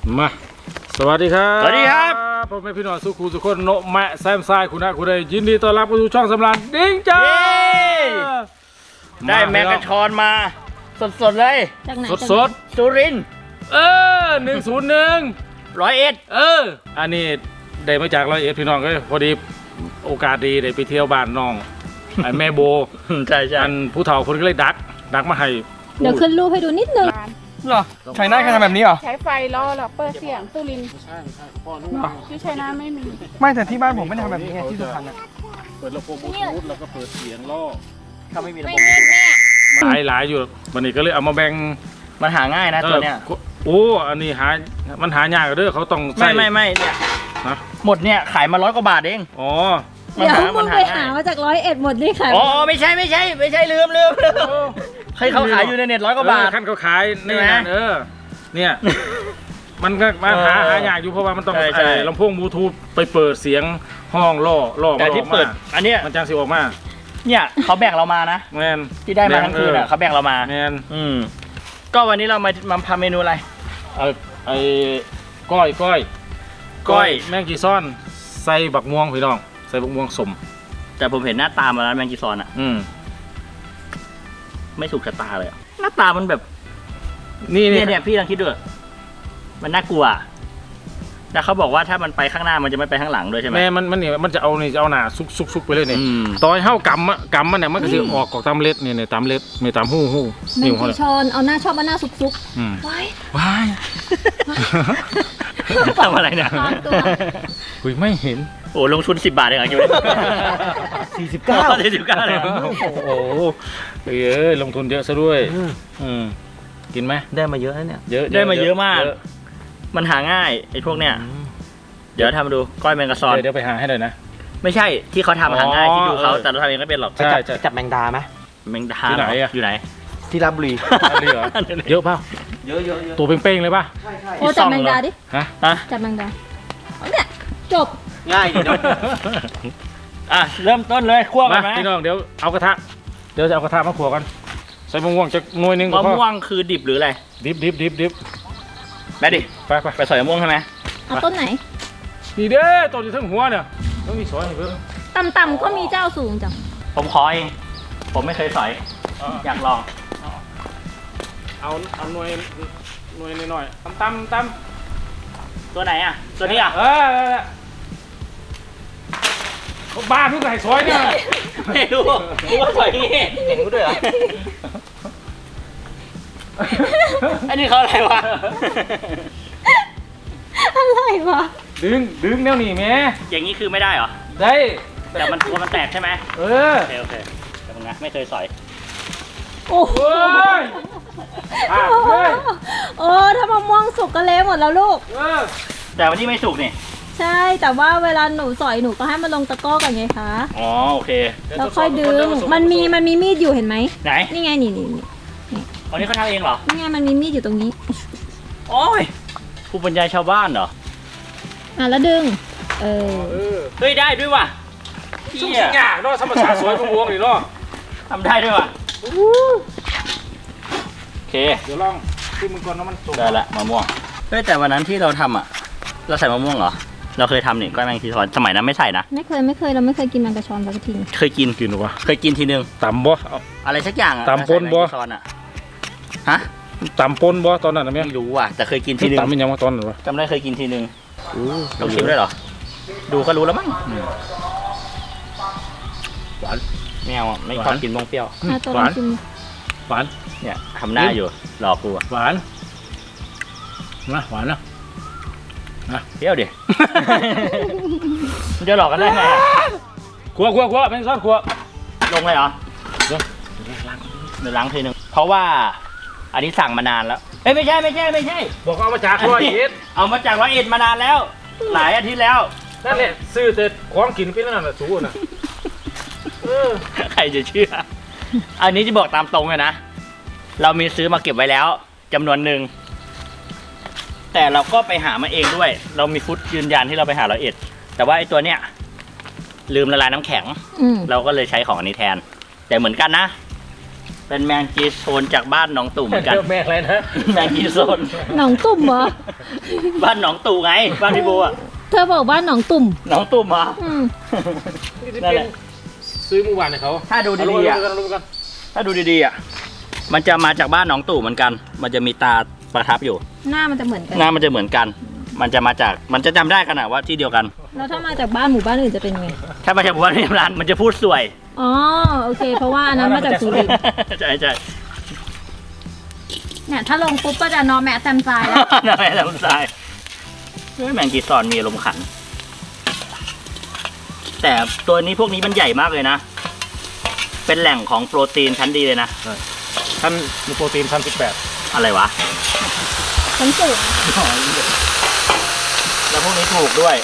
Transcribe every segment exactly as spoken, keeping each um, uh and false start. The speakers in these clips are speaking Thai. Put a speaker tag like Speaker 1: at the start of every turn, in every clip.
Speaker 1: มาสวัสดีครับ
Speaker 2: สวัสดีครับ
Speaker 1: พ่อแม่พี่น้องสุขุสุขคนโนแมะแซมซายคุณนะคุณได้ยินดีต้อนรับเข้าสู่ช่องสำราญดิ้งจ้า
Speaker 2: ได้แมกกาชอนมาสดๆเลย
Speaker 3: จากไหน
Speaker 1: สดสด
Speaker 2: สุรินทร์
Speaker 1: ๆเออหนึ่งศูนย์หนึ่ง
Speaker 2: ร้อยเอ็ด
Speaker 1: เอออันนี้ได้มาจากร้อยเอ็ดพี่น้องก็พอดีโอกาสดีได้ไปเที่ยวบ้านน้องไอ้แม่โบ
Speaker 2: ใช่ใช่
Speaker 1: อันผู้เฒ่าคนก็เลยดักดักมาให้
Speaker 3: เดี๋ยวขึ้นรูปให้ดูนิดนึง
Speaker 4: เหรอไชน่าแค่ทำแบบนี้เหรอ
Speaker 5: ใช้ไฟล่อแล้วเปิดเสียงตุลิน
Speaker 1: ใช่ใช่พ่อนุ่
Speaker 5: ที่ใช้น้าไม่มี
Speaker 4: ไม่แต่ที่บ้านผมไม่ได้ทำแบบนี้ไงที่สุพรรณอะ
Speaker 1: เปิดลำโพงบลูทูธแล้วก็เปิดเสียงล่อ
Speaker 2: ถ้าไม่มีระ
Speaker 5: ไม่
Speaker 2: บบ
Speaker 5: เล่นแม่
Speaker 1: หลายหลายอยู่วันนี้ก็เลยเอามาแบ่ง
Speaker 2: มันหาง่ายนะตัวเนี้ย
Speaker 1: ออโอ้อันนี้หามันหายากเด้อเขาต้องใส่
Speaker 2: ไม่ไม่ไม่เนี่ย
Speaker 1: นะ
Speaker 2: หมดเนี่ยขายมาร้อยกว่าบาทเอง
Speaker 1: อ๋อ
Speaker 3: เดี๋ยวมึงไป
Speaker 2: ง่
Speaker 3: หาย มาจากร้อยเอ็ดหมดนี่ค่ะ
Speaker 2: อ๋อไม่ใช่ไม่ใช่ไม่ใช่ลืมลืมลืมใครเขาขายอยู่ในเน็ตร้อยกว่าบาท
Speaker 1: เออขั้นเขาขายนี่
Speaker 2: ใช่ไหม
Speaker 1: นะเออเนี่ยมันก็มาหาหายากอยู่เพราะว่ามันต้อง
Speaker 2: ใช่ใช่
Speaker 1: ไอ้ลำโพงบลูทูธไปเปิดเสียงห้องล่อล่อ
Speaker 2: แต่ที่เปิด
Speaker 1: มันออก
Speaker 2: อันเนี้ย
Speaker 1: มามันจังสิออกมา
Speaker 2: เนี่ยเขาแบ่งเรามานะ
Speaker 1: แมน
Speaker 2: ที่ได้มาทั้งคืนอ่ะเขาแบ่งเรามา
Speaker 1: แมน
Speaker 2: อืมก็วันนี้เรามามาทำเมนูอะไร
Speaker 1: ไอ้ไอ้ก้อยก้อย
Speaker 2: ก้อย
Speaker 1: แมงกีซ่อนใส่บักม่วงพี่น้องใส่บักม่วงสม
Speaker 2: แต่ผมเห็นหน้าตามาแล้วแมงกีซอนอ่ะ
Speaker 1: อืม
Speaker 2: ไม่ถูกชะตาเลยอะหน้าตามันแบบ
Speaker 1: นี่นี่
Speaker 2: เนี่ยเนี่ยพี่ลองคิดดูมันน่ากลัวแต่เขาบอกว่าถ้ามันไปข้างหน้ามันจะไม่ไปข้างหลังด้วยใช่ไหม
Speaker 1: แม่มันมันนี่มันจะเอานี่จะเอาหน้าซุกซุกซุกไปเลยนี่
Speaker 2: อืม
Speaker 1: ตอนเฮากำอะกำมันเนี่ยมันก็สิออกกอกตามเล็ดนี่นี่ตามเล็ดนี่ตามหู้หู้
Speaker 3: แม
Speaker 1: นิ้
Speaker 3: ง
Speaker 1: วเขา
Speaker 3: กี
Speaker 1: เนี่ย
Speaker 3: ชอนเอาหน้าชอบเอาหน้าซุก
Speaker 1: อืม
Speaker 3: ๆไว้
Speaker 1: ว้าย
Speaker 2: ทำอะไรเนี่ย
Speaker 3: ซ่อนตัว
Speaker 1: คุยไม่เห็น
Speaker 2: โอ้ลงทุนสิบบาทเองเหรอคิดว่า
Speaker 4: สี่สิบเก้า
Speaker 2: สี่สิบเก้าเลยเหรอ
Speaker 1: โอ้โหเอ้ยลงทุนเยอะซะด้วยอืมกินไหม
Speaker 2: ได้มาเยอะนะเนี่ย
Speaker 1: เยอะ
Speaker 2: ได้มาเยอะมาก มันหาง่ายไอ้พวกเนี้ยเดี๋ยวทำมาดูก้อยแมงกะซอน
Speaker 1: เดี๋ยวเดี๋ยวไปหาให้หน่อยนะ
Speaker 2: ไม่ใช่ที่เขาทำหาง่าย
Speaker 1: อ๋อ
Speaker 2: ที่ดูเขา
Speaker 1: เออ
Speaker 2: แต่เราทำเองก็เป็นหรอก
Speaker 1: ใช่ใช่
Speaker 4: จับแมงดาไหม
Speaker 2: แมงดา
Speaker 1: ที่ไหนอะ
Speaker 2: อยู่ไหน
Speaker 4: ที่ราชบุรี
Speaker 1: อะไรเหรอเยอะเปล่า
Speaker 4: เยอะเยอะเยอะ
Speaker 1: ตัวเป้งๆเลยป่ะ
Speaker 3: โอ้จับแมงดาดิ
Speaker 1: ฮะ
Speaker 2: อ่ะ
Speaker 3: จับแมงดาเอาเนี่ยจบ
Speaker 4: ง่ายดีเนาะ
Speaker 2: อ่ะเริ่มต้นเลยคั่วกั
Speaker 1: มาน
Speaker 2: ไหม
Speaker 1: พี่น้องเดี๋ยวเอากระทะเดี๋ยวจะเอากระทะมาขัวกันใส่มะม่วงจะหน่วยหนึงก็
Speaker 2: มะ
Speaker 1: พอ
Speaker 2: ม่วงคือดิบหรืออะไร
Speaker 1: ดิบดิบดิบดิบ
Speaker 2: แม่ดิ
Speaker 1: ไปไป
Speaker 2: ไปสอยมะม่วงใช่ไหม
Speaker 3: เอาต้นไหน
Speaker 1: นี่เด้อตัวอยู่ทั้งหัวเนี่ยต้องมีสอยให้เพิ่ม
Speaker 3: ต่ำๆก็มีเจ้าสูงจัง
Speaker 2: ผมขอเองผมไม่เคยสอย อยากลอง
Speaker 1: เอาเอาหน่วยหน่วยหน่อยๆตั้มตั้ม
Speaker 2: ตัวไหนอ่ะ ตัวนี้อ่ะ
Speaker 1: เออเขาบ้าเพิ่งใส่ซอยเนี่ย
Speaker 2: ไม่รู้รู้ว่าสอยนี่
Speaker 4: เห็นกูด้วยเหรอ
Speaker 2: อันนี้เขาอะไรวะ
Speaker 3: อะไรวะ
Speaker 1: ดึงดึงแนวหนีแม่
Speaker 2: อย่างนี้คือไม่ได้เหรอ
Speaker 1: ได้
Speaker 2: แต่มันตัวมันแตกใช่ไหม
Speaker 1: เออ
Speaker 2: โอเคโอเคแต่มึงนะไม่เคยสอย
Speaker 3: โอ้โห
Speaker 1: เฮ้ยอ่ะเฮ้ย
Speaker 3: โอ้ถ้ามะม่วงสุกก็เละหมดแล้วลูก
Speaker 1: เออ
Speaker 2: แต่วันนี้ไม่สุกนี่
Speaker 3: ใช่แต่ว่าเวลาหนูสอยหนูก็ให้มันลงตะกร้อก่อนไงคะ
Speaker 2: อ๋อโอเค
Speaker 3: แล้วค่อยดึงมันมีมันมีมีดอยู่เห็นไหม
Speaker 2: ไหน
Speaker 3: นี่ไงนี่นี่นี่
Speaker 2: วันนี้เขาทำเองเหรอ
Speaker 3: นี่ไงมันมีมีดอยู่ตรงนี้
Speaker 2: โอ้ยผู้บรรยายชาวบ้านเหรอ
Speaker 3: อ่ะแล้วดึงเออ
Speaker 1: เออ
Speaker 2: เฮ้ยได้ด้วยว่ะ
Speaker 1: ชุ่ม
Speaker 2: เหี้ย
Speaker 1: สิงหยาเนาะธรรมชาติสวยของวงนี่เนาะ
Speaker 2: ทำได้ด้วยว่ะโอเค
Speaker 1: เดี๋ยวลองขึ้นมึงก่อนนะมันสุก
Speaker 2: ได้ละมะม่วงเฮ้ยแต่วันนั้นที่เราทำอ่ะ เราใส่มะม่วงเหรอ เราเคยทำนี่ก้อยแมงทีทอนสมัยนั้นไม่ใส่นะ
Speaker 3: ไม่เคยไม่เคยเราไม่เคยกินแมงกะชอนสักที
Speaker 2: เคยกิน
Speaker 1: กินหรอวะ
Speaker 2: เคยกินทีนึง
Speaker 1: ตำบ่เอา
Speaker 2: อะไรสักอย่างอะ
Speaker 1: ตำปนบ่
Speaker 2: ใส่แมงจีซอนอะฮะ
Speaker 1: ตำปนบ่ตอนนั้นนะแม่
Speaker 2: ไม่รู้อ่ะแต่เคยกินทีนึง
Speaker 1: ตำเป็นยังวะตอนนั้นวะ
Speaker 2: จำได้เคยกินทีนึงลองชิมได้เหรอ ดูก็รู้แล้วมั้งหวานไม่เอาอะไม่ชอบกินมงเปรี้ยว
Speaker 3: อ่ะตัวลองชิม
Speaker 1: หวาน
Speaker 2: เนี่ยทำหน้าอยู่หลอกกูอะ
Speaker 1: หวานนะหวานนะ
Speaker 2: เปรี้ยวดิ มันจะหลอกกันได้ไงอะ
Speaker 1: ครัวครัวครัวเป็นซอสครัว
Speaker 2: ลงเลยเหรอ
Speaker 1: เดี๋ยว
Speaker 2: เดี๋ยวล้างทีนึงเพราะว่าอันนี้สั่งมานานแล้วเอ้ยไม่ใช่ไม่ใช่ไม่ใช่
Speaker 1: บอกเอามาจากร้อยเอ็ด
Speaker 2: เอามาจากร้อยเอ็ดมานานแล้ว หลายอาทิตย์แล้ว
Speaker 1: นั่นแหละซื้อแต่ของกินไปนั่นน่ะสูน่ะเออ
Speaker 2: ใครจะเชื่อ อันนี้จะบอกตามตรงเลยนะ เรามีซื้อมาเก็บไว้แล้วจำนวนหนึ่ง แต่เราก็ไปหามาเองด้วย เรามีฟุตยืนยันที่เราไปหาร้อยเอ็ด แต่ว่าไอ้ตัวเนี้ยลืมละลายน้ำแข็ง
Speaker 3: อืม
Speaker 2: เราก็เลยใช้ของอันนี้แทน แต่เหมือนกันนะเป็นแมงจีโซนจากบ้านหนองตู่เหมือนกัน
Speaker 1: แม่อะไรนะ
Speaker 2: แมงจีโซน
Speaker 3: หนองตุ่มเหรอ
Speaker 2: บ้านหนองตู่ไง บ้านพี่โบอ่ะ
Speaker 3: เธอบอกว่าหนองตุ่ม
Speaker 2: หนองตู่มา
Speaker 3: อืม
Speaker 2: นั่นแหละ
Speaker 1: ซื้อเมื่อวานให้เขา
Speaker 2: ถ้าดู
Speaker 1: เอา
Speaker 2: ดีๆอ่ะ
Speaker 1: กันรู้กัน
Speaker 2: ถ้าดูดีๆอ่ะ มันจะมาจากบ้านหนองตู่เหมือนกัน มันจะมีตาประทับอยู่
Speaker 3: หน้ามันจะเหมือนกัน
Speaker 2: หน้ามันจะเหมือนกัน มันจะมาจาก มันจะจำได้กันอะว่าที่เดียวกัน
Speaker 3: แล้วถ้ามาจากบ้านหมู่บ้านอื่นจะเป็นไง
Speaker 2: ถ้ามาจากบ้านพี่ร้านมันจะพูดสวย
Speaker 3: อ๋อโอเค เพราะว่าอันนั้นมาจากสุรินทร์
Speaker 2: ใช่ใช่
Speaker 3: เนี่ยถ้าลงปุ๊บก็จะนอนแมะแซมซายแล้ว
Speaker 2: นั่นแหละลำไส้เฮ้ยแมงกีซอนมีอารมณ์ขัน แต่ตัวนี้พวกนี้มันใหญ่มากเลยนะ เป็นแหล่งของโปรตีนชั้นดีเลยนะ
Speaker 1: ท่านมีโปรตีนพันสิบแปด
Speaker 2: อะไรวะ
Speaker 3: ชั้นสูง
Speaker 2: แล้วพวกนี้ถูกด้วย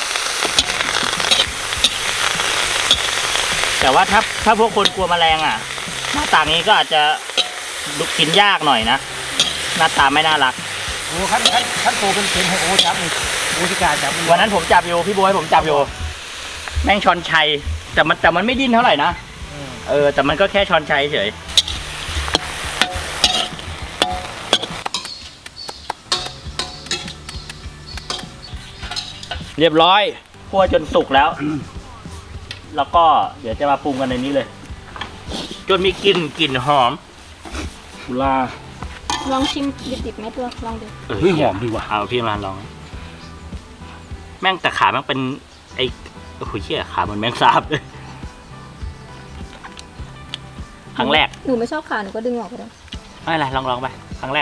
Speaker 2: แต่ว่าถ้าถ้าพวกคนกลัวแมลงอ่ะ หน้าตานี้ก็อาจจะดูกินยากหน่อยนะ หน้าตาไม่น่ารัก
Speaker 1: โอ้ขั้นขั้นขั้นโตเป็นเป็นให้โอ้จับนี่โอ้ชิกาจับนี่
Speaker 2: วันนั้นผมจับอยู่พี่บอยผมจับอยู่ แม่งชอนชัย แต่มันแต่มันไม่ดิ้นเท่าไหร่นะ
Speaker 1: อืม
Speaker 2: เออ แต่มันก็แค่ชอนชัยเฉย เรียบร้อยคั่วจนสุกแล้ว แล้วก็เดี๋ยวจะมาปรุงกันในนี้เลย จนมีกลิ่นกลิ่นหอม
Speaker 1: กุลา
Speaker 3: ลองชิมดิบๆไหมตัวลองดู
Speaker 1: เฮ้ยหอมดีว่ะ
Speaker 2: เอาพี่มาลอง แม่งแต่ขาแม่งเป็นไอ้โอ้โหเชี่ยขาเหมันแมงสาบเลยครั้งแรก
Speaker 3: หนูไม่ชอบขาหนูก็ดึงออกก็ได้
Speaker 2: ไม่เป็นไรลองลองไป ครั้งแรก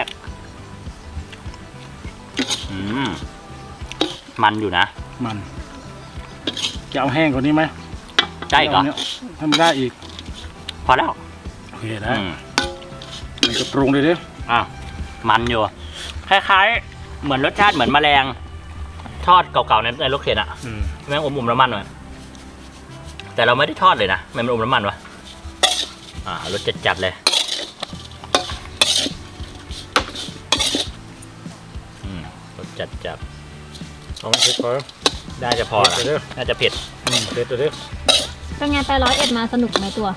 Speaker 2: อืม มันอยู่นะ
Speaker 1: มันจะเอาแห้งกว่านี้ไหม
Speaker 2: ได้ก่อน
Speaker 1: เาเยทำได้อีก
Speaker 2: พอแล้ว
Speaker 1: โอเคได้
Speaker 2: อืม
Speaker 1: มันก็ปรุงเลยดิ
Speaker 2: อ่ะมันอยู่ คล้ายๆ เหมือนรสชาติเหมือนแมลง ทอดเก่าๆในในรถเข็นอะ
Speaker 1: อืม
Speaker 2: แม่งอมๆน้ำมันหน่อยแต่เราไม่ได้ทอดเลยนะแม่งมันอมน้ำมันวะอ่ารสจัดๆเลยอืมรสจัด
Speaker 1: เอาไม่เผ็ดพอ
Speaker 2: ๆน่าจะพอละ
Speaker 1: เผ็ดเด้อ
Speaker 2: น่าจะเผ็ด
Speaker 1: อืมเผ็ดเด้อ
Speaker 3: เป็นไงไปร้อยเอ็ดมาสนุกไหมตัว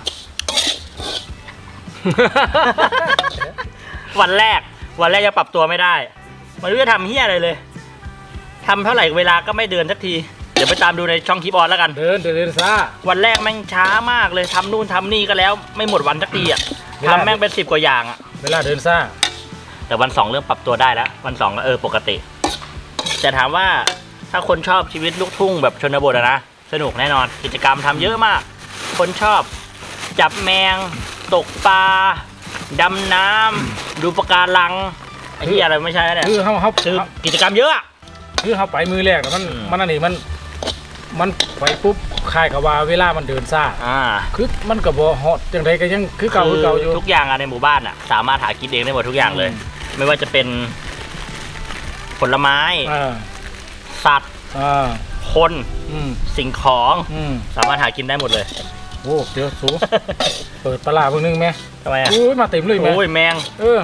Speaker 2: วันแรก วันแรกจะปรับตัวไม่ได้ไมันรู้จะทำเฮี้ยอะไรเลยทำเท่าไหร่เวลาก็ไม่เดินสักที เดี๋ยวไปตามดูในช่องคลิปออนแล้วกัน
Speaker 1: เดินเดินเดินซ่า
Speaker 2: วันแรกแม่งช้ามากเลยทำนู่นทำนี่ก็แล้วไม่หมดวันสักทีอ่ะ
Speaker 1: ไม่ได้
Speaker 2: ทำแม่งเป็นสิบกว่าอย่างอ่ะ
Speaker 1: เวลาเดินซ่า
Speaker 2: แต่วันสองเริ่มปรับตัวได้แล้ว วันสองก็เออปกติ แต่ถามว่าถ้าคนชอบชีวิตลูกทุ่งแบบชนบทอะนะสนุกแน่นอน กิจกรรมทำเยอะมาก คนชอบจับแมง ตกปลาดำน้ำดูปะการังไอ้ที่อะไรไม่ใช่แล้วเนี่ย
Speaker 1: คือเขาเขา
Speaker 2: คือกิจกรรมเยอะอะ
Speaker 1: คือเขาไปมือแรกน่ะมัน
Speaker 2: อืม
Speaker 1: มันอันนี้มัน มันไปปุ๊บคล้ายกับว่าเวลามันเดินซ่า
Speaker 2: อ่า
Speaker 1: คือมันก็บ่ฮอดจังไดก็ยังคือเก่าคือเก่าอยู่
Speaker 2: ทุกอย่างอะในหมู่บ้านอะสามารถหากินเองได้หมดทุกอย่างเลย
Speaker 1: อืม
Speaker 2: ไม่ว่าจะเป็นผลไม้
Speaker 1: อ่า
Speaker 2: สัตว์
Speaker 1: อ่า
Speaker 2: คน
Speaker 1: อืม
Speaker 2: สิ่งของ
Speaker 1: อืม
Speaker 2: สามารถหากินได้หมดเลย
Speaker 1: โอ้เดี๋ยวสู เปิดปลาร้าเบิ่งหนึงแม่
Speaker 2: ทำไมอะ
Speaker 1: โอ้ยมาเต็มเลยแม่
Speaker 2: โอ้ยแมง
Speaker 1: เออ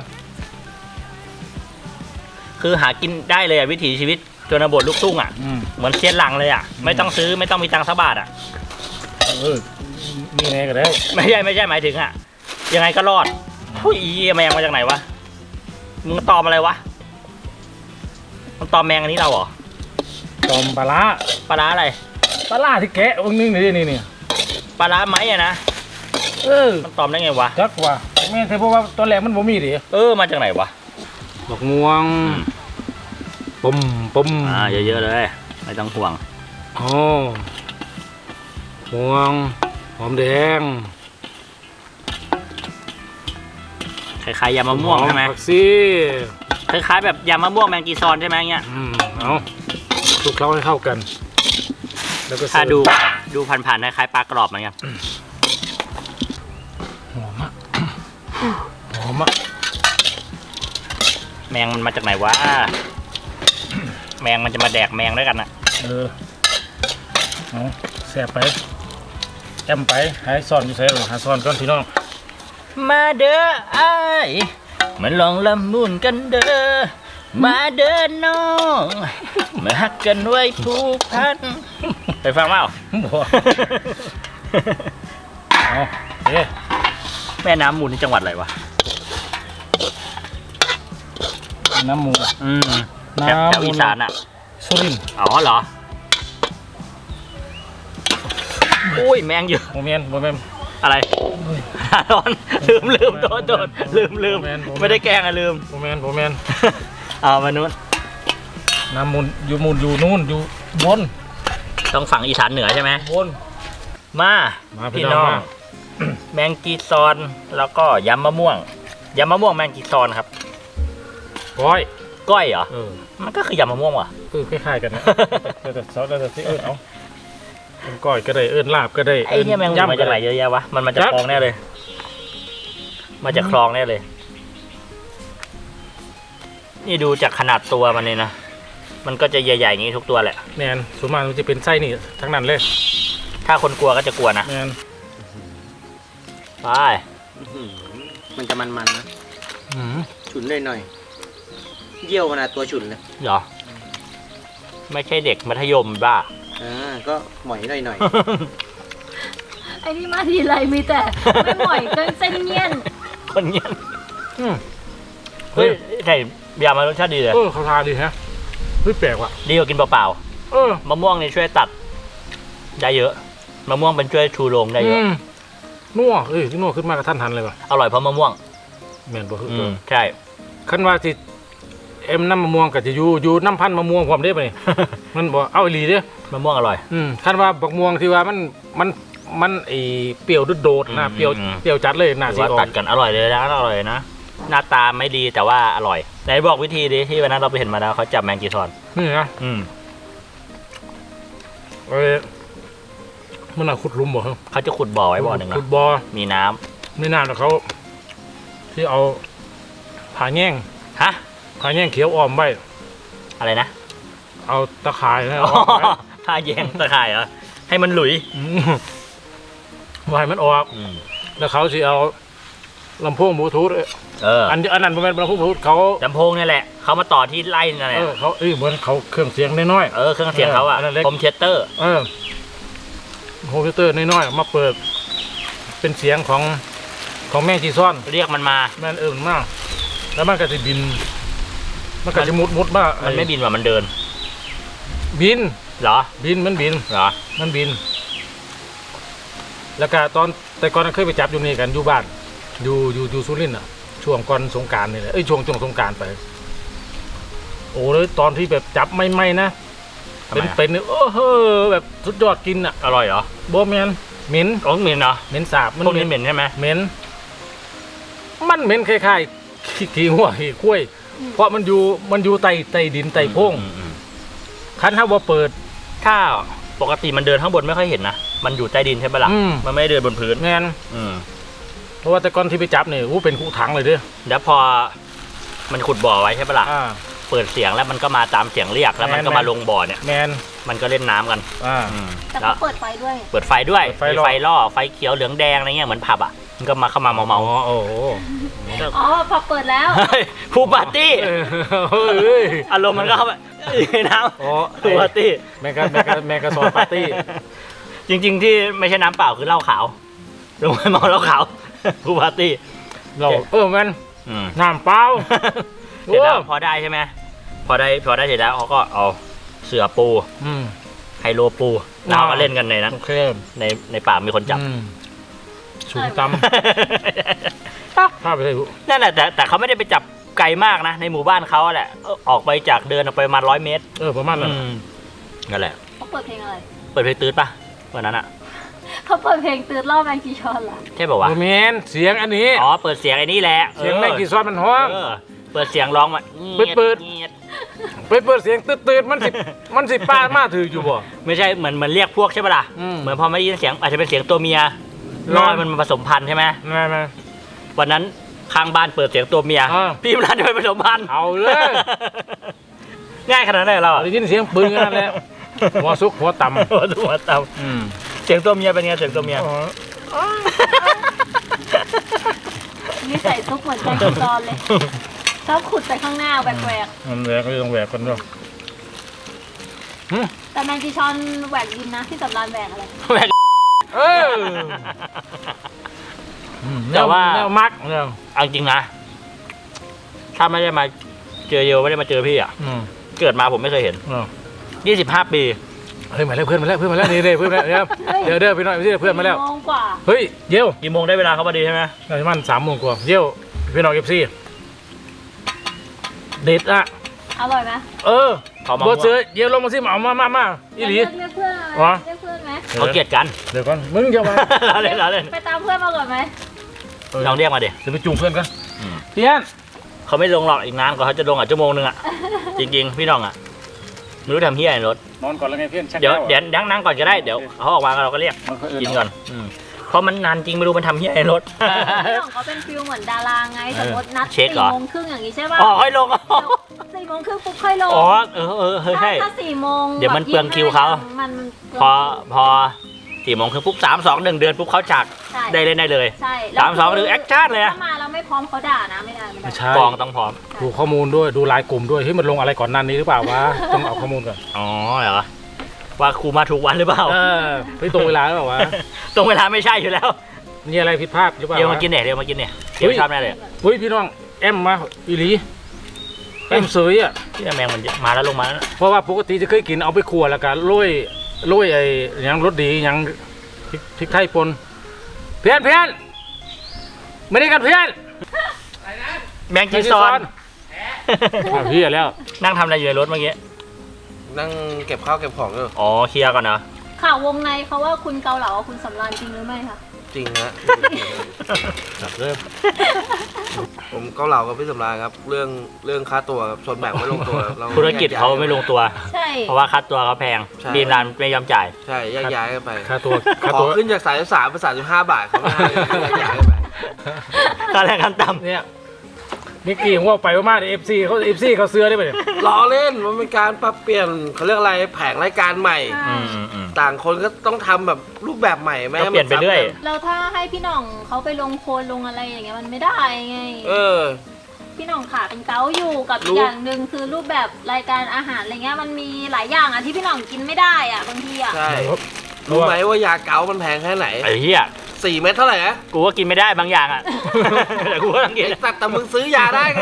Speaker 2: คือหากินได้เลยอะวิถีชีวิตชนบทลูกทุ่งอะ
Speaker 1: อืม
Speaker 2: เหมือนเซียนหลังเลยอะ
Speaker 1: อืม
Speaker 2: ไม่ต้องซื้อไม่ต้องมีตังค์สักบาทอะ
Speaker 1: เออมีแน่ก็ได้
Speaker 2: ไม่ใช่ไม่ใช่หมายถึงอะยังไงก็รอดผู้ยอีแมงมาจากไหนวะมึงตอมอะไรวะมันตอมแมงอันนี้เราเหรอ
Speaker 1: ตอมปลาร้า
Speaker 2: ปลาร้าอะไร
Speaker 1: ปลาร้าที่แกะเบิ่งหนึงนี่นี่นี่
Speaker 2: ปลาร้าไหมอะนะ
Speaker 1: เออ
Speaker 2: มันตอมได้ไงวะ
Speaker 1: จักว่าแม่นแต่เพราะว่าตอนแรกมันบ่มีดิ
Speaker 2: เออมาจากไหนวะ
Speaker 1: ดอกม่วงปุ่มปุ่ม
Speaker 2: อ่าเยอะๆเลยไม่ต้องห่วง
Speaker 1: อ๋อม่วงหอมแดง
Speaker 2: คล้ายๆยำมะม่วงใช่ไหม
Speaker 1: อผักชี
Speaker 2: คล้ายๆแบบยำมะม่วงแมงกีซอนใช่ไหมเงี้ย
Speaker 1: อืมเอาคลุกเคล้าให้เข้ากัน แล้วก็
Speaker 2: ถ้า
Speaker 1: เสิร์ฟ
Speaker 2: ดูดูผ่านๆคล้ายๆปลากรอบเหมือนกัน
Speaker 1: หอมอ่ะหอมอ่ะ
Speaker 2: แมงมันมาจากไหนวะแมงมันจะมาแดกแมงด้วยกันอะ
Speaker 1: เออเอาแซ่บไปแอมไปหายซ่อนอยู่ใส่หรอหาซ่อนก่อนพี่น้อง
Speaker 2: มาเด้อไอ้ายมาลองละมุนกันเด้อมาเด้อน้องมาฮักกันไว้ผูกพันไปฟังเปล่า
Speaker 1: บ่เอาเอ๊ะ
Speaker 2: แม่น้ำมูลที่จังหวัดอะไรวะ
Speaker 1: น้ำมูล
Speaker 2: อืมแถว
Speaker 1: น้ำมูล
Speaker 2: แถวอีสานอ่ะ
Speaker 1: สุรินทร์
Speaker 2: อ๋อเหรออุ้ยแมงเยอะ
Speaker 1: โมเมนโมเมน
Speaker 2: อะไรร้อนลืมลืมโดนโดนลืมลืม
Speaker 1: โมเมนต์โมเมนต์
Speaker 2: ไม่ได้แกล้งอะลืม
Speaker 1: โมเมนโมเมน
Speaker 2: เอามานู้น
Speaker 1: น้ำมูลอยู่มูลอยู่นู่นอยู่บน
Speaker 2: ต้องฝั่งอีสานเหนือใช่ไหม
Speaker 1: บน
Speaker 2: มา
Speaker 1: มาพี่
Speaker 2: พี่
Speaker 1: น้
Speaker 2: น้
Speaker 1: อ
Speaker 2: อง ง
Speaker 1: มา
Speaker 2: แมงกีซอนแล้วก็ยำมะม่วงยำมะม่วงแมงกีซอนครับ
Speaker 1: ก้อย
Speaker 2: ก้อยเหรอ
Speaker 1: เออ
Speaker 2: มันก็คือยำมะม่วงว่ะ
Speaker 1: เออคล้ายๆกันนะแต่แต่ซอสแต่ที่เอิญเอาเป็นก้อยก็ได้เอิญลาบก็ได้
Speaker 2: ไอ้เนี่ยแมงมุมมาจากไหนเยอะแยะวะมันมาจากคลองแน่เลย มาจากคลองแน่เลย นี่ดูจากขนาดตัวมันเลยนะมันก็จะใหญ่ๆอย่างนี้ทุกตัวแหละ
Speaker 1: แมนส่วนมากมันจะเป็นไส้นี่ทั้งนั้นเลย
Speaker 2: ถ้าคนกลัวก็จะกลัวนะ
Speaker 1: แมน
Speaker 2: ไป
Speaker 4: มันจะมันๆนะ
Speaker 1: อืม
Speaker 4: ฉุนหน่อยๆเยี่ยวขนาดตัวฉุนเลย
Speaker 2: เหรอ ไม่ใช่เด็กมัธยมบ้า
Speaker 4: อ่าก็หมอยหน่อย
Speaker 3: ไอ้นี่มาทีไรมีแต่ ไม่หมอยเกินเส้นเงี้ยน
Speaker 2: คนเงี้ย
Speaker 1: อืม
Speaker 2: เฮ้ยใส่ยามารสชาติดีเลย
Speaker 1: เออเขาทาดีฮะเฮ้ยแปลกว่ะ
Speaker 2: ดีกว่ากินเปล่า
Speaker 1: เออ
Speaker 2: ๆมะม่วงนี่ช่วยตัดได้เยอะมะม่วงเป็นช่วยชูโรงได้เยอะ
Speaker 1: อืมนัวเอ้ยนัวขึ้นมากระทันหันเลยว่ะ
Speaker 2: อร่อยเพราะมะม่วง
Speaker 1: แมนบ่คือ
Speaker 2: อื
Speaker 1: ตัว
Speaker 2: มใช่
Speaker 1: คันว่าสิเอ็มน้ำมะม่วงก็จะอยู่อยู่น้ำพันธุ์มะม่วงความได้ปะนี่ มันบอกเอาอีหลีเด้อ
Speaker 2: มะม่วงอร่อย
Speaker 1: อืมคันว่าบักม่วงที่ว่ามันมันมันไอเปรี้ยวโดดๆนะ
Speaker 2: อืม
Speaker 1: เปรี้ยว
Speaker 2: อืม
Speaker 1: เปรี้ยวจัดเลยน่า
Speaker 2: ถื
Speaker 1: สิ
Speaker 2: อว่า
Speaker 1: ออ
Speaker 2: ตั
Speaker 1: ก
Speaker 2: ดกันอร่อยเลยนะอร่อยนะหน้าตาไม่ดีแต่ว่าอร่อยไหนบอกวิธีดิที่วันนั้นเราไปเห็นมาแล้วเขาจับแมงกีซอน
Speaker 1: นี่นะ
Speaker 2: อืม
Speaker 1: เอ้ยมันน่าขุดหลุมบ่ครับ
Speaker 2: เขาจะขุดบ่อไว้บ่อหนึ่ง
Speaker 1: ขุ
Speaker 2: นะ
Speaker 1: ดบ่อ
Speaker 2: มีน้ำ
Speaker 1: ไม่นานหรอกเขาที่เอาผ่าแง่ง
Speaker 2: ฮะ
Speaker 1: ผ่าแง่งเขียวอ้อมไว้
Speaker 2: อะไรนะ
Speaker 1: เอาตะข่ายนะ
Speaker 2: อ๋อ
Speaker 1: อ้อมไว้
Speaker 2: ผ้าแยงตะข่ายเหรอให้มันหลุย
Speaker 1: อืมไว้มันออก
Speaker 2: อืม
Speaker 1: แล้วเขาสิเอาลำโพงบลูทูธเอ้ย
Speaker 2: เออ
Speaker 1: อันอันนั้นเป็นลำโพงบลูทูธเขา
Speaker 2: ลำโพงนี่แหละเขามาต่อที่ไล่นั่นแหละ
Speaker 1: เออเขาเอ้ยเหมือนเขาเครื่องเสียงน้อย
Speaker 2: เออเครื่องเสียงเขาอะ
Speaker 1: เอออันนั้นเล็ก
Speaker 2: คอมเชสเตอร์
Speaker 1: ๆเออโฮมพิวเตอร์น้อยๆมาเปิด เป็นเสียงของของแม่จีซ่อน
Speaker 2: เรียกมันมา
Speaker 1: แม่นเอิงมาก แล้วมันก็จะบิน มันก็จะมุดมุดมา
Speaker 2: มันไม่บินว่ามันเดิน
Speaker 1: บิน
Speaker 2: เหรอ
Speaker 1: บินมันบิน
Speaker 2: เหรอ
Speaker 1: มันบิน แล้วก็ตอนแต่ก่อนเคยไปจับอยู่นี่กันอยู่บ้าน อยู่อยู่อยู่สุรินทร์อ่ะ ช่วงก่อนสงกรารนี่แหละเอ้ยช่วงช่วงสงกรารไป โอ้เลยตอนที่แบบจับไม่ไม่นะ
Speaker 2: ทำไม
Speaker 1: เป็น
Speaker 2: อะ
Speaker 1: เป็นๆโอ้โหแบบสุดยอดกินอ่ะ
Speaker 2: อร่อยเหรอ
Speaker 1: โบแมนเหม็น
Speaker 2: โอ้เหม็นเหรอ
Speaker 1: เหม็นสาบ
Speaker 2: พวกนี้เหม็นใช่ไหม
Speaker 1: เหม็นมันเหม็นคล้ายๆขี้ขี้หัวขี้คุ้ยเพราะมันอยู่มันอยู่ใต้ใต้ดินใต้โพรง
Speaker 2: อืมอืม
Speaker 1: คันถ้าว่าเปิด
Speaker 2: ถ้าปกติมันเดินข้างบนไม่ค่อยเห็นนะมันอยู่ใต้ดินใช่ปะล่ะ
Speaker 1: อืม
Speaker 2: มันไม่ได้เดินบนพื้น
Speaker 1: แมน
Speaker 2: อืม
Speaker 1: เพราะว่าแต่ก่อนที่ไปจับเนี่ยอู้เป็นคู่ถังเลยเด้อ
Speaker 2: แล้วพอมันขุดบ่อไว้ใช่ปะล่ะ
Speaker 1: อ่า
Speaker 2: เปิดเสียงแล้วมันก็มาตามเสียงเรียกแล้วมันก็
Speaker 1: แม่น
Speaker 2: มาลงบ่อเนี่ย
Speaker 1: แมน
Speaker 2: มันก็เล่นน้ำกัน
Speaker 1: อ่า
Speaker 2: อืม
Speaker 3: แต่
Speaker 2: แล้
Speaker 3: เขา
Speaker 2: ว
Speaker 3: เปิดไฟด้วย
Speaker 2: เปิดไฟด้วย
Speaker 1: เปิดไฟ
Speaker 2: มี
Speaker 1: ล่อ
Speaker 2: ไฟล่อไฟเขียวเหลืองแดงอะไรเงี้ยเหมือนผับอ่ะมันก็มาเข้ามาเมาเมา
Speaker 1: อ๋อโอ้โห
Speaker 3: อ๋อพอเปิดแล้ว
Speaker 2: เฮ้ยผู้ปาร์ตี้
Speaker 1: เออเฮ้ย
Speaker 2: อารมณ์มันก็เข้าไปในน้
Speaker 1: อ๋อ
Speaker 2: ำผู้ปาร์ตี้
Speaker 1: แมกกาแมกกาแมกกาซอนปาร์ตี้
Speaker 2: จริง ๆ ที่ไม่ใช่น้ำเปล่าคือเหล้าขาวลงไปเมาเหล้าขาวผู้ปาร์ตี้
Speaker 1: เราเออแมน
Speaker 2: อืม
Speaker 1: น้ำเปล่า
Speaker 2: เสร็จแล้ว
Speaker 1: โอ้
Speaker 2: พอได้ใช่ไหมพอได้พอได้เสร็จแล้วเขาก็เอาเสือปู
Speaker 1: อืม
Speaker 2: ไฮโลปูแล้วเอามาเล่นกันในนั้น
Speaker 1: โอเค
Speaker 2: ในในป่ามีคนจับ
Speaker 1: อืมสูงตำข้าไปเลยลูก
Speaker 2: นั่นแหละแต่แต่เขาไม่ได้ไปจับไกลมากนะ ในหมู่บ้านเขาแหละเออออกไปจากเดินออกไปประมาณร้อยเมตร
Speaker 1: เออประมาณนั้น
Speaker 2: อืมนั่นแหละ
Speaker 3: เขาเปิดเพลงอะไร
Speaker 2: เปิดเพลงตืดปะวันนั้นอะ
Speaker 3: เขาเปิดเพลงตื่นรอบแมงจีชอนเหรอ
Speaker 2: ใช่ป่าวะ
Speaker 1: โอเมนเสียงอันนี้
Speaker 2: อ๋อเปิดเสียงไอ้นี่แหละ
Speaker 1: เสียงแม่งกี่ซอนมันห้อง
Speaker 2: เออเปิดเสียงร้องมา
Speaker 1: เปิดเปิด
Speaker 2: งียด
Speaker 1: ไปเปิดเสียงตื่นๆมันสิมันสิป้ามาถืออยู่บ่
Speaker 2: ไม่ใช่เหมือนเหมือนเรียกพวกใช่ปะล่ะ
Speaker 1: อืม
Speaker 2: เหมือนพอไม่ได้ยินเสียงอาจจะเป็นเสียงตัวเมีย
Speaker 1: อืม
Speaker 2: ล่อให้มันมาผสมพันธุ์ใช่ไหม
Speaker 1: มามา
Speaker 2: วันนั้นข้างบ้านเปิดเสียงตัวเมีย
Speaker 1: อ่า
Speaker 2: พี่มรันจะไปผสมพันธุ์
Speaker 1: เอาเลย
Speaker 2: ง่ายขนาดนั้นเลยเราอะ
Speaker 1: ได้ยินเสียงปืนกันนั่นแหละหัวซุกหัวต่ำ
Speaker 2: หัวตัวเต่า
Speaker 1: อืม
Speaker 2: เสียงตัวเมียเป็นไงเสียงตัวเมีย
Speaker 3: นี่ใส่ซุปเหมือนแมงจีชอนเลยชอบขุดไปข้างหน้าแหวก
Speaker 1: มันแหวกก็ต้องแหวกกันด้วย
Speaker 3: ๆแต่แมงจีชอนแหวกดินนะที่สำรานแหวกอะไร
Speaker 2: แหวก
Speaker 1: เอออืม
Speaker 2: แต่ว่า
Speaker 1: แนวมักเนี่ย
Speaker 2: เอาจริงนะถ้าไม่ได้มาเจอเยวไม่ได้มาเจอพี่อ่ะ
Speaker 1: อืม
Speaker 2: เกิดมาผมไม่เคยเห็น
Speaker 1: อืม
Speaker 2: ยี่สิบห้าปี
Speaker 1: เฮ้ยมาแล้วเพื่อนมาแล้วเพื่อนมาแล้วนี่นี่เพื่อนมาแล้วเดี๋ยวเดี๋ยวพี่น้อยพี่เพื่อนมาแล้ว
Speaker 3: สี่โมงกว่า
Speaker 1: เฮ้ยเยี่ยว
Speaker 2: กี่โมงได้เวลาเขาพอดีใช่ไหม
Speaker 1: น่าจะมันสามโมงกว่าเยี่ยวพี่น้องเอฟซีเด็ดอ่ะ
Speaker 3: อร่อยไหม
Speaker 1: เออ
Speaker 2: เขามา
Speaker 1: บดเสือเยี่ยวลงมาสิมาเอามามามาอีหลี
Speaker 3: เรียกเรียกเพื่อนไหม
Speaker 1: อ๋อ
Speaker 3: เรียกเพื่อนไหม
Speaker 2: เขาเกลียดกัน
Speaker 1: เดี๋ยวก่อนมึงจะมา
Speaker 2: เราเล่นเราเล่น
Speaker 3: ไปตามเพื่อนมาก่อนไหม
Speaker 2: ลองเรียกมาดิ
Speaker 1: เดี๋ยวไปจูงเพื่อนกัน
Speaker 2: อืม
Speaker 1: พี่อัน
Speaker 2: เขาไม่ลงหรอกอีกนานกว่าเขาจะลงอ่ะชั่วโมงนึงอ่ะ จริงๆ พี่น้องอ่ะไม่รู้ทำเฮียอะไรรถ
Speaker 1: นอนก่อนแล้วไงเพื่อนชัก
Speaker 2: เดี๋ยว
Speaker 1: แก้
Speaker 2: เดี๋ยวนั่งนั่งก่อนก็ได้เดี๋ยวเขาออกมาเราก็เรียก
Speaker 1: มันค่อยเอิ้
Speaker 2: กินก่อนอืมเพราะมันนานจริงไม่รู้มันทำเฮียอะไรรถ
Speaker 3: พี่หน่องเขาเป็นฟิลเหมือนดาราไงสมมตินัด
Speaker 2: เช็ค
Speaker 3: สี่
Speaker 2: เหรอ
Speaker 3: โมงครึ่งอย่างนี้ใช่ป่ะ
Speaker 2: อ๋อค่อยลงอ๋อ
Speaker 3: สี่โมงครึ่งปุ๊บค่อยลง
Speaker 2: อ๋อเออเออเออใช่
Speaker 3: ถ้าถ้าสี่โมง
Speaker 2: เดี๋ยวมัน
Speaker 3: แบบ
Speaker 2: เปลืองคิวเขา
Speaker 3: มัน
Speaker 2: พอพอสี่โมงคือปุ๊บสามสองหนึ่งเดือนปุ๊บเขาฉาก
Speaker 3: ใช่
Speaker 2: ได้เล่นได้เลย
Speaker 3: ใช่
Speaker 2: สามสองหรือแอคชั่นเลยอะ
Speaker 3: ถ้ามาแล้วไม่พร้อมเขาด่านะไม่ได้ไม่ได้
Speaker 1: ไม่ใช่
Speaker 2: กองต้องพร้อม
Speaker 1: ดูข้อมูลด้วยดูไลน์กลุ่มด้วยเฮ้ยมันลงอะไรก่อนหนั้นนี้หรือเปล่าวะต้องเอาข้อมูลก่อน
Speaker 2: อ๋อเหรอว่าครูมาถูกวันหรือเปล่า
Speaker 1: เออเฮ้ยตรงเวลาหรือเปล่าวะ
Speaker 2: ตรงเวลาไม่ใช่อยู่แล้ว
Speaker 1: มีอะไรผิดพลาดหรือเปล่า
Speaker 2: เดี๋ยว
Speaker 1: วะ
Speaker 2: มากินเนี่ยเดี๋ยวมากินเนี่ยเดี๋ยวชอบแน่เลย
Speaker 1: เฮ้ยพี่น้องแอมมาอีหลีแอมเสยอ่ะ
Speaker 2: ที่แมงมันมาแล้วลงมาแล้ว
Speaker 1: เพราะว่าปกติจะเคยกินเอาไปคั่วแล้วก็โรยโรยไอ้หยังรสดีหยังพริกพริกไทยป่นเพื่อนเพื่อนไม่ได้กันเพื่อน
Speaker 2: แมงจีซอน
Speaker 1: อ้าวพี่แล้ว
Speaker 2: นั่งทำอะไรอยู่ในรถเมื่อกี้
Speaker 4: นั่งเก็บข้าวเก็บของอยู่
Speaker 2: อ๋อเคลียร์ก่อนนะ
Speaker 3: ข่าววงในเขาว่าคุณเกาเหลากับคุณสำราญจริงหรือไม่คะ
Speaker 4: จริงฮะ
Speaker 1: จับเริ่ม
Speaker 4: ผมเกาเหลากับพี่สำราญครับ เรื่องเรื่องค่าตัวครับชนแบ่งไม่ลงตัวเรา
Speaker 2: ธุรกิจเขาไม่ลงตัว
Speaker 3: ใช่
Speaker 2: เพราะว่าค่าตัวเขาแพง
Speaker 4: ใช่
Speaker 2: ดีมรานไม่ยอมจ่าย
Speaker 4: ใช่แยกย้ายกันไป
Speaker 1: ค่าตัวค่า
Speaker 4: ขอ
Speaker 1: ตัว
Speaker 4: ขึ้นจากสายสามเป็นสามสิบห้าบาทเขาไม่ให้แยกย้ายกันไป
Speaker 2: ค่าแรงขั้นต่
Speaker 1: เนี่ยนิกกี้ผมว่าไปว่ามาเอฟซีเขาเอฟซีเขาเสื้อได้ไหมเนี่ย
Speaker 4: ล้อเล่นมันเป็นการปรับเปลี่ยนเขาเรียกอะไรแผงรายการใหม่
Speaker 2: ำอืมอืมอืม
Speaker 4: ต่างคนก็ต้องทำแบบรูปแบบใหม่ไหม
Speaker 2: ก็เปลี่ยนไปเรื่อย
Speaker 3: เราถ้าให้พี่หน่องเขาไปลงโคลนลงอะไรอย่างเงี้ยมันไม่ได้ไง
Speaker 4: เออ
Speaker 3: พี่หน่องขาเป็นเกาอยู่กับ
Speaker 4: รู้
Speaker 3: อีกอย่างหนึ่งคือรูปแบบรายการอาหารอะไรเงี้ยมันมีหลายอย่างอ่ะที่พี่หน่องกินไม่ได้อ่ะบางทีอ่ะ
Speaker 4: ใช่รู้ไหมว่ายาเกามันแพงแค่ไหน
Speaker 2: ไอ้เหี้ย
Speaker 4: สี่เม็ดเท่าไหร่นะ
Speaker 2: กูก็กินไม่ได้บางอย่างอ่ะ แต่กูก็ต้องกิน
Speaker 4: ไอ้สัตว์แต่มึงซื้อยาได้ไง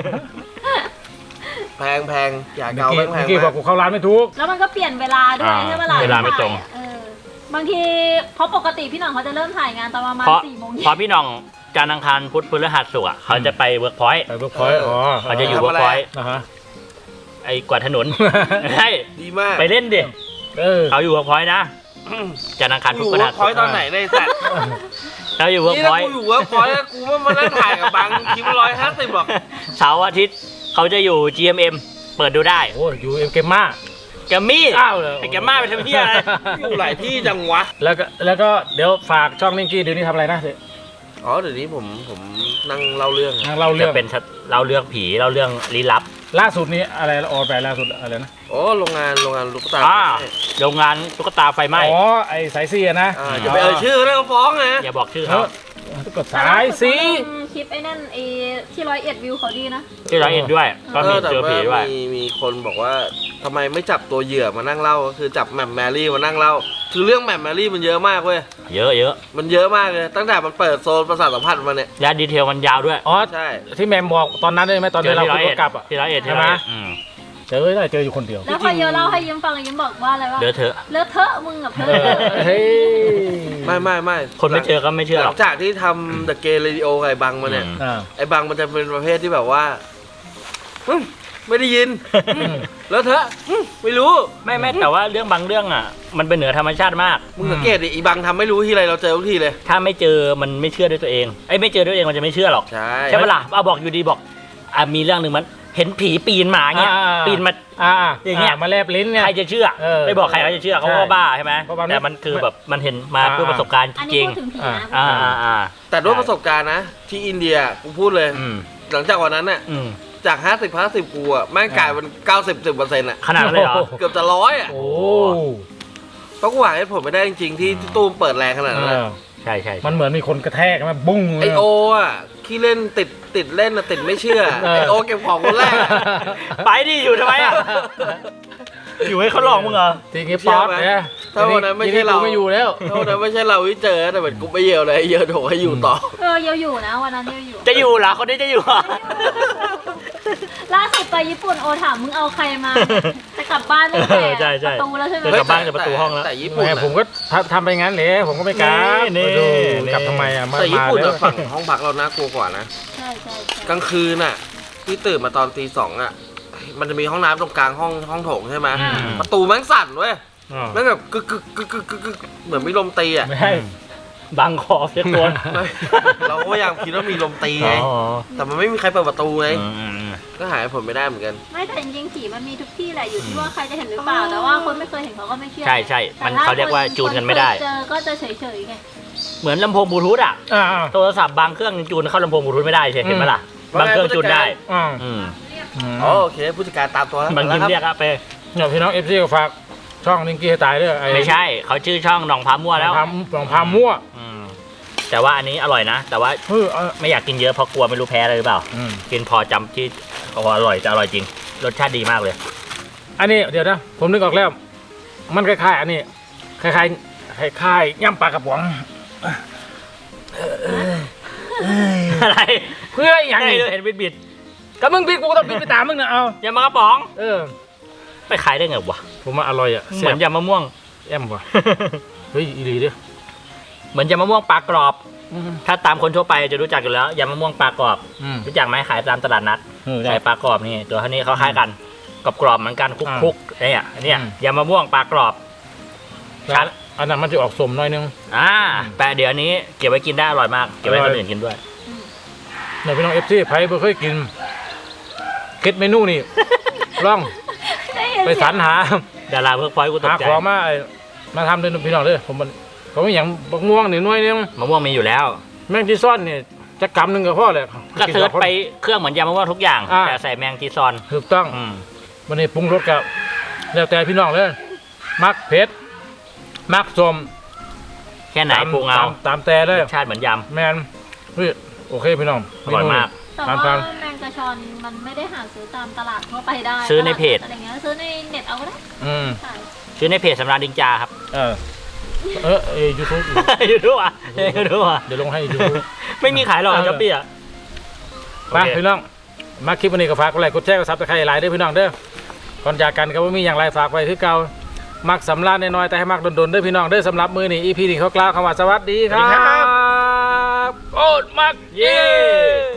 Speaker 4: แพงแพงยา
Speaker 1: นิก
Speaker 4: เกา
Speaker 1: กี้
Speaker 4: แพงแพ
Speaker 1: นิ
Speaker 4: ง
Speaker 1: กกี้บอกกูเข้าร้านไม่ถูก
Speaker 3: แล้วมันก็เปลี่ยนเวลาด้วย
Speaker 2: อ่า
Speaker 3: ใช่ไหมล่ะ
Speaker 2: เวลาไม่ตรง
Speaker 3: เออบางทีเพราะปกติพี่หน่องเขาจะเริ่มถ่ายงานตอนประมาณ
Speaker 2: เพราะ
Speaker 3: สี่โมง
Speaker 2: เพ
Speaker 3: เย็
Speaker 2: ราะ
Speaker 3: น
Speaker 2: พี่น้องจันทร์อังคารพุธพฤหัสศุกร์อะเขาจะไปเวิร์กพอยต์
Speaker 1: ไปเบิร์กพอยต์อ๋อ
Speaker 2: เขาจะอยู่เวิร์กพอยต์
Speaker 1: นะฮะ
Speaker 2: ไอ้กวาดถนน ใช่
Speaker 4: ดีมาก
Speaker 2: ไปเล่นดิ
Speaker 1: เออ
Speaker 2: เขาอยู่เวิร์กพอยต์นะจันทร์อังคาร
Speaker 4: อ
Speaker 2: พุธ
Speaker 4: ยู่
Speaker 2: พฤ
Speaker 4: เวิ
Speaker 2: หั
Speaker 4: ร์
Speaker 2: ส
Speaker 4: กพอยต์ตอนไหนในยไอ้สัตว์
Speaker 2: เขาอยู่เวิร์ก
Speaker 4: นี่
Speaker 2: พ
Speaker 4: ถ้า
Speaker 2: อยต์
Speaker 4: กูอยู่เวิร์กพอยต์กูว่ามานั่งถ่ายกับบางคลิปร้อยห้าสิบหรอก
Speaker 2: เสาร์อาทิตย์เขาจะอยู่ จี เอ็ม เอ็ม เปิดดูได้
Speaker 1: โอ้ยอยู่เอ็มเกมมา
Speaker 2: แกมมี่
Speaker 1: อ้าวเลย
Speaker 2: ไอ้แกมมาไปทำเพี้ยอะไร
Speaker 4: อยู่หลายที่จังวะ
Speaker 1: แล้วก็แล้วก็เดี๋ยวฝากช่องนิกกี้เดี๋ยวนี้ทำอะไรนะ
Speaker 4: อ๋อเดี๋ยวนี้ผมผมนั่งเล่าเรื่อง
Speaker 1: นั่งเล่าเรื่
Speaker 2: จะ
Speaker 1: อง
Speaker 2: เป็นเราเรื่องผีเราเรื่องลี้ลับ
Speaker 1: ล่าสุดนี้อะไรออนไปล่าสุดอะไรนะ
Speaker 4: โอ้โรงงานโรงงานลูกตา
Speaker 2: อ่าโรงงานตุ๊กตาไฟไหม้
Speaker 1: อ๋อไอ้สายซีอะนะ
Speaker 4: อ่าจะไปเอ่ยชื่อเขาได้ก็ฟ้องนะ
Speaker 2: อย่าบอกชื่อ
Speaker 1: เอ
Speaker 2: เขา
Speaker 1: อก็สายซี
Speaker 3: คลิปไอ้นั่นไอ้ที่ร้อยเอ็ดวิวเขาดีนะ
Speaker 2: ที่ร้อยเอ็ดด้วย ก็มี
Speaker 4: แต่
Speaker 2: เจอ
Speaker 4: ว่า
Speaker 2: ผีด้วย
Speaker 4: มีมีคนบอกว่าทำไมไม่จับตัวเหยื่อมานั่งเล่าก็คือจับแหม่มแมรี่มานั่งเล่าคือเรื่องแหม่มแมรี่มันเยอะมากเว้ย
Speaker 2: เยอะเยอะ
Speaker 4: มันเยอะมากเลยตั้งแต่มันเปิดโซนประสาทสัมผัสมาเนี่ย
Speaker 2: และดีเทลมันยาวด้วย
Speaker 1: อ๋อ
Speaker 4: ใช่
Speaker 1: ที่แมมบอกตอนนั้นได้ไหมตอนที่เรา
Speaker 2: ที่ร้อย
Speaker 1: ขึ้นร
Speaker 2: เอ็ด
Speaker 1: ถกลับอ่ะ
Speaker 2: ที่ร้อยเอ็ด
Speaker 1: ใช่ไหม
Speaker 2: อืม
Speaker 1: เจอได้เจออยู่คนเดียว
Speaker 3: แล้วพอเยอะเล่าให้ยิ้มฟังยิ้มบอกว่าอะไรวะ
Speaker 2: เดี๋ยวเถอะ
Speaker 3: เลอะเทอะมึงกับเธ
Speaker 1: เอ
Speaker 3: อ
Speaker 1: อเฮ้ย
Speaker 4: ไม่ไม่ไม่
Speaker 2: คนไม่เจอก็ไม่เชื่อ
Speaker 4: ห
Speaker 2: หร
Speaker 4: ลั
Speaker 2: อก
Speaker 4: งจากที่ทำ The Gay Radio กับไอ้บังมาเนี่ย
Speaker 2: อืม
Speaker 1: อ่า
Speaker 4: ไอ้บังมันจะเป็นประเภทที่แบบว่าอืมไม่ได้ยินอืมแล้วเธอะอืมไม่รู้
Speaker 2: ไม่ไม่แต่ว่าเรื่องบางเรื่องอ่ะ มันเป็นเหนือธรรมชาติมาก
Speaker 4: มึงสังเกตดิไอ้บังทำไม่รู้ที่ไรเราเจอทุกทีเลย
Speaker 2: ถ้าไม่เจอมันไม่เชื่อด้วยตัวเองไอ้ยไม่เจอด้วยตัวเองมันจะไม่เชื่อหรอก
Speaker 4: ใช่
Speaker 2: ใช่ปะล่ะเอาบอกอยู่ดีบอกอ่ะมีเรื่องหนึ่งมันเห็นผีปีนหมาเงี้ย
Speaker 1: อ่า
Speaker 2: ปีนมา
Speaker 1: อ่า
Speaker 2: อย่างเงี้ย
Speaker 1: มาแลบลิ้นเนี่ย
Speaker 2: ใครจะเชื่อ
Speaker 1: เออ
Speaker 2: ไม่บอกใครเขาจะเชื่อเขา
Speaker 1: ใช่
Speaker 2: ก็บ้าใช่ไหม
Speaker 1: เพราะมัน
Speaker 2: แต่มันคือแบบมันเห็นมา
Speaker 1: อ่า
Speaker 2: ด้วยประสบการณ์จ
Speaker 3: อันนี้
Speaker 2: ริง
Speaker 3: พูดถึงผีนะ
Speaker 2: อ่าอ่าอ่า
Speaker 4: แต่ด้วยประสบการณ์นะ ที่อินเดียกูพูดเลย
Speaker 2: อืม
Speaker 4: หลังจากวันนั้นน่ะ
Speaker 2: อืม
Speaker 4: จากห้าสิบห้าสิบกูอ่ะแม่งกลายเป็นเก้าสิบสิบเปอร์เซ็นต์อ่ะ
Speaker 2: ขนาดนั้นเลยเหรอ
Speaker 4: เกือบจะร้อยอ่ะ
Speaker 1: โอ้
Speaker 4: เพราะกูหาเหตุผลไม่ได้จริงๆที่ที่ตู้มเปิดแรงขนาดนั้น
Speaker 1: เอ
Speaker 4: อะ
Speaker 1: อ
Speaker 2: ใช่ใช่ใช่
Speaker 1: มันเหมือนมีคนกระแทกมาบุ้ง
Speaker 4: ไอโออ่ะขี้เล่นติดติดเล่นอ่ะติดไม่เชื่อ
Speaker 1: เออ
Speaker 4: ไอโอเก็บของคนแรกอะ
Speaker 2: ไปดิอยู่ทำไมอ่ะ อยู่ให้เขาหลอกมึงเหรอ
Speaker 1: ทีงี้ป๊อตเนี่ย
Speaker 4: ถ้าวันนั้นไม่ใช่เรา
Speaker 1: ไม่อยู่แล้ว
Speaker 4: ถ้าวันนั้นไม่ใช่เราที่เจอแต่เหมือนกูไม่เยียวเลยเยียวโถให้อยู่ต่อ
Speaker 3: เออเยาอยู่นะวันนั้นเยาอยู่
Speaker 2: จะอยู่เหรอคนนี้จะอยู่เหรอ
Speaker 3: ล่าสุดไปญี่ปุ่นโอถามมึงเอาใครมาจะกลับบ้านตั้งแต่
Speaker 2: เออใช่ใช่
Speaker 3: ประตูแล้วใช่ไหม
Speaker 2: เฮ้ย กลับบ้านจากประตูห้องแล้ว
Speaker 4: แต่ญี่ปุ่น
Speaker 1: แม่
Speaker 4: อะ
Speaker 1: ผมก็ทำทำไปงั้นเลยผมก็ไม่กล้า
Speaker 2: นี่
Speaker 1: มาดู
Speaker 2: นี่
Speaker 1: กลับทำไมอ่ะมา
Speaker 4: แต่ญี่ปุ่น
Speaker 1: มาแล้
Speaker 4: อะ
Speaker 1: ว
Speaker 4: ฝั่งห้องพักเราน่ากลัวกว่านะ
Speaker 3: ใช่ใช่ใช่
Speaker 4: กลางคืนน่ะที่ตื่นมาตอนตีสองอ่ะ มันจะมีห้องน้ำตรงกลางห้องห้องโถงใช่ไหม
Speaker 1: อืม
Speaker 4: ประตูแม่งสั่นเว้ย
Speaker 1: อ๋อ
Speaker 4: แม่งแบบกึกกึกกึกกึกกึกกึกเหมือนมีลมตีอ่ะ
Speaker 2: ไม่ใช่บังคอเสียตัว
Speaker 4: เราก็พยายามคิดว่ามีลมตีไง
Speaker 2: อ๋อ
Speaker 4: แต่มันไม่มีใครเปิดประตูไง
Speaker 2: อืมอืมอืม
Speaker 4: ก็หายผลไม่ได้เหมือนกัน
Speaker 3: ไม่แต่จริงๆผีมันมีทุกที่แหละอยู่ที่ว่าใครจะเห็นหรือเปล่าแต่ว่าคนไม่เคยเห็นเขาก็ไม่เชื่อ
Speaker 2: ใช่ใช่มันเขาเรียกว่าจูนกันไม่ได้
Speaker 3: เจอก็จะเฉยๆไง
Speaker 2: เหมือนลำโพงบลูทูธอ่ะ
Speaker 1: อ่า
Speaker 2: โทรศัพท์บางเครื่องจูนเข้าลำโพงบลูทูธไม่ได้ใช่เห็นไหมล่ะ
Speaker 4: อืม
Speaker 2: บางเครื่องจูนได้
Speaker 1: อ่า
Speaker 2: อืม
Speaker 1: อืม
Speaker 4: อ๋อโอเคผู้จัดการตามตัวแล้ว
Speaker 2: บางที
Speaker 4: แล้ว
Speaker 2: เรียก
Speaker 4: ค
Speaker 2: อะไป
Speaker 1: เนี่ยพี่น้องเอฟซีก็ฝากช่องนิงกี้ให้ตายด้วยไอ้
Speaker 2: ไม่ใช่เขาชื่อช่องหนองพามั่วแล้ว
Speaker 1: พามลองพามมั่ว
Speaker 2: อืมแต่ว่าอันนี้อร่อยนะ แต่ว่า
Speaker 1: เออเออ
Speaker 2: ไม่อยากกินเยอะเพราะกลัวไม่รู้แพ้อะไรหรือเปล่า
Speaker 1: อืม
Speaker 2: กินพอจำที่พออร่อยจะอร่อยจริง รสชาติดีมากเลย
Speaker 1: อันนี้เดี๋ยวนะผมนึกออกแล้ว มันคล้ายๆอันนี้คล้ายๆคล้ายๆย่ำปลากระป๋อง
Speaker 2: อะไร
Speaker 1: เพื่ออย่าง
Speaker 2: ใช่
Speaker 1: นี้
Speaker 2: เลยเห็นบิดบิด
Speaker 1: ก็มึงผิดกูก็ต้องผิดไปตามมึงนะเอา
Speaker 2: ๆยำมะกระป๋อง
Speaker 1: เออ
Speaker 2: ไปขายได้ไงวะ
Speaker 1: ผมว่าอร่อยอ่ะ
Speaker 2: เหมือนยำมะม่วง
Speaker 1: แอมว่ะเฮ้ยอีหลีเด้อ
Speaker 2: เหมือนยำมะม่วงปลากรอบ ถ้าตามคนทั่วไปจะรู้จักอยู่แล้วยำมะม่วงปลากรอบ
Speaker 1: อืม
Speaker 2: รู้จักไหมขายตามตลาดนัด
Speaker 1: เออได้
Speaker 2: ขายปลากรอบนี่ตัวเท่านี้เขาคล้ายกันกรอบกรอบๆเหมือนกันคุก
Speaker 1: อ่า
Speaker 2: คุกๆเนี่ยเนี่ย
Speaker 1: อืม
Speaker 2: ยำมะม่วงปลากรอบ
Speaker 1: แล้วอันนั้นมันจะออกสมหน่อยนึง
Speaker 2: อ่าแต่เดี๋ยวนี้เก็บไว้กินได้อร่อยมากเก็บไว้ให้คนอื่นกินด้วย
Speaker 1: เนี่ยพี่น้องเอฟซีไผ่เพิ่เคยกินคิดเมนูนี่ ลอง
Speaker 3: ได้ยิน
Speaker 1: ไป
Speaker 3: เสี
Speaker 1: สร
Speaker 3: ยง
Speaker 1: รหา
Speaker 2: ดาราเพิร์กพอยต์กูตก
Speaker 1: หา
Speaker 2: ใจ
Speaker 1: ของมาไอ้มาทำเลยพี่น้องเลยผมมันเขาไม่อย่างบักม่วงนี่หน่วยนึง
Speaker 2: มะม่วงมีอยู่แล้ว
Speaker 1: แมงจีซ่อนเนี่ยจะกำหนึ่งกับพ่อเลย
Speaker 2: ก็เซิร์ชไปเครื่องเหมือนยำมะม่วงทุกอย่าง
Speaker 1: อ่า
Speaker 2: แต่ใส่แมงจีซอน
Speaker 1: ถูกต้อง
Speaker 2: อืม
Speaker 1: วันนี้ปรุงรสกับแล้วแต่พี่น้องเลยมักเผ็ดมักสม
Speaker 2: แค่ไหน
Speaker 1: ตาม
Speaker 2: ปรุงเอา
Speaker 1: ตามตามแต่เลย
Speaker 2: รสชาติเหมือนย
Speaker 1: แมนเฮ้ยโอเคพี่น้อง
Speaker 2: อร่อยมาก
Speaker 3: แต่
Speaker 1: ตาม
Speaker 3: ว่า
Speaker 1: ตาม
Speaker 3: แมงกระชอนมันไม่ได้หาซื้อตามตลาดทั่วไปได้
Speaker 2: ซื้อในเพจ
Speaker 3: อะไรเงี้ยซื้อในเน็ตเอาก็ได้
Speaker 1: อืม
Speaker 3: ใช่
Speaker 2: ำชื่อในเพจสำราญดิงจาครับ
Speaker 1: เออเออเอยูทูบ
Speaker 2: ยูทูบอ่ะยูทูบอ่ะ
Speaker 1: เดี๋ยวลงให้ยูทูบ
Speaker 2: ไม่มีขายหรอก
Speaker 1: เออ
Speaker 2: ช้อปปี้อ่ะ
Speaker 1: ไปพี่น้องมาคลิปวันนี้ก็ฝากกดไลค์กดแชร์กดซับสไครต์หลายเด้อพี่น้องเด้อก่อนจากกันก็ว่ามีอย่างไรฝากไว้คือเก่ามักสำราญน้อยๆแต่ให้มักโดนๆเด้อพี่น้องเด้อสำหรับมือนี้อีพีนี้เขากล่าวคำว่าสวัสดีครับโอดมักเย้